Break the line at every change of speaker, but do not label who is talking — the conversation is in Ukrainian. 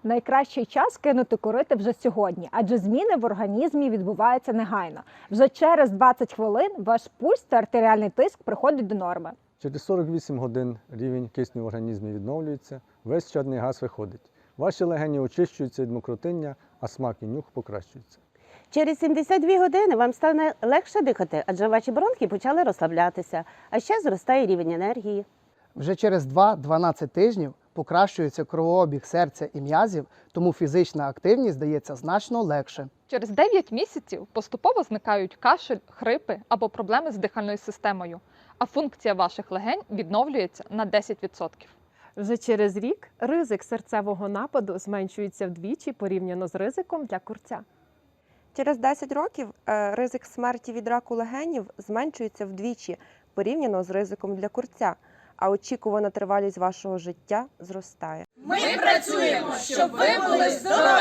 Найкращий час кинути курити вже сьогодні, адже зміни в організмі відбуваються негайно. Вже через 20 хвилин ваш пульс та артеріальний тиск приходять до норми.
Через 48 годин рівень кисню в організмі відновлюється, весь чадний газ виходить. Ваші легені очищуються від мокротиння, а смак і нюх покращуються.
Через 72 години вам стане легше дихати, адже ваші бронхи почали розслаблятися, а ще зростає рівень енергії.
Вже через 2-12 тижнів покращується кровообіг серця і м'язів, тому фізична активність здається значно легше.
Через 9 місяців поступово зникають кашель, хрипи або проблеми з дихальною системою, а функція ваших легень відновлюється на 10%.
Вже через рік ризик серцевого нападу зменшується вдвічі порівняно з ризиком для курця.
Через 10 років ризик смерті від раку легенів зменшується вдвічі порівняно з ризиком для курця, а очікувана тривалість вашого життя зростає.
Ми працюємо, щоб ви були здорові!